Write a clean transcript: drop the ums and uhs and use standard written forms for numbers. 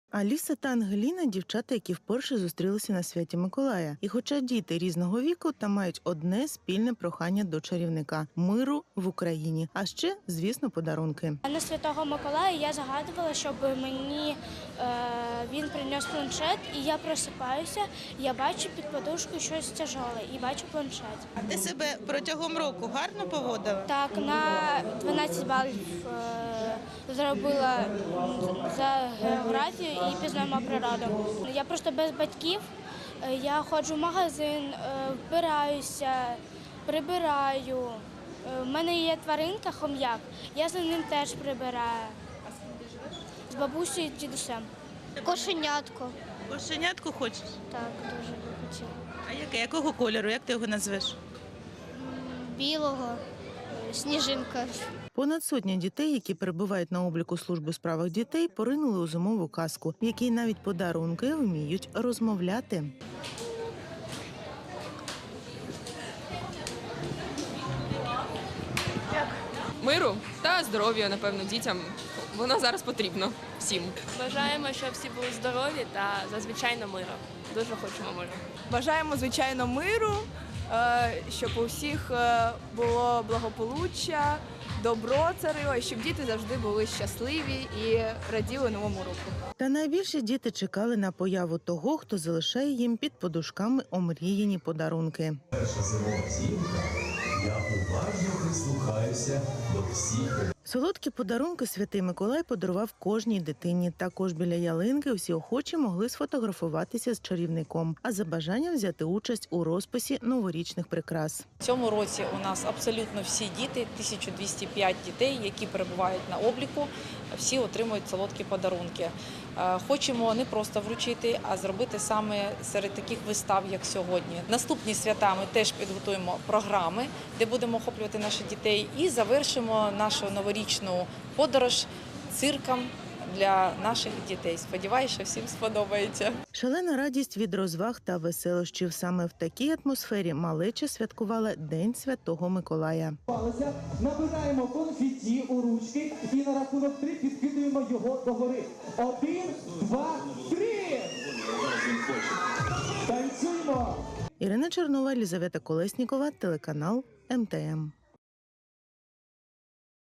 Аліса та Ангеліна – дівчата, які вперше зустрілися на святі Миколая. І хоча діти різного віку, та мають одне спільне прохання до чарівника – миру в Україні. А ще, звісно, подарунки. На Святого Миколая я загадувала, щоб мені він приніс планшет, і я просипаюся, я бачу під подушкою щось тяжеле і бачу планшет. А ти себе протягом року гарно поводила? Так, на 12 балів зробила за географію і пізнаємо природу. Я просто без батьків, я ходжу в магазин, вбираюся, прибираю. У мене є тваринка, хом'як, я за ним теж прибираю. А з ким ти живеш? З бабусею і дідусем. Кошенятко. Кошенятку хочеш? Так, дуже би хотіла. А яке? Якого кольору? Як ти його назвеш? Білого. Сніжинка. Понад сотня дітей, які перебувають на обліку служби у справах дітей, поринули у зимову казку, в якій навіть подарунки вміють розмовляти. Миру та здоров'я, напевно, дітям. Воно зараз потрібно всім. Бажаємо, щоб всі були здорові та зазвичайно миру. Дуже хочемо миру. Бажаємо, звичайно, миру, щоб у всіх було благополуччя, добро царило, і щоб діти завжди були щасливі і раділи новому року. Та найбільше діти чекали на появу того, хто залишає їм під подушками омріяні подарунки. Перша зимова зімка, я уважно прислухаюся до всіх. Солодкі подарунки Святий Миколай подарував кожній дитині. Також біля ялинки всі охочі могли сфотографуватися з чарівником, а за бажанням взяти участь у розписі новорічних прикрас. В цьому році у нас абсолютно всі діти, 1205 дітей, які перебувають на обліку, всі отримують солодкі подарунки. Хочемо не просто вручити, а зробити саме серед таких вистав, як сьогодні. Наступні свята ми теж підготуємо програми, де будемо охоплювати наших дітей, і завершимо нашу новорічну подорож цирком для наших дітей. Сподіваюся, що всім сподобається. Шалена радість від розваг та веселощів. Саме в такій атмосфері малеча святкувала День Святого Миколая. Набираємо конфетті у ручки і на рахунок 3 підкидуємо його догори. 1, 2, 3! Танцюємо! Ірина Чернова, Лізавета Колеснікова, телеканал МТМ.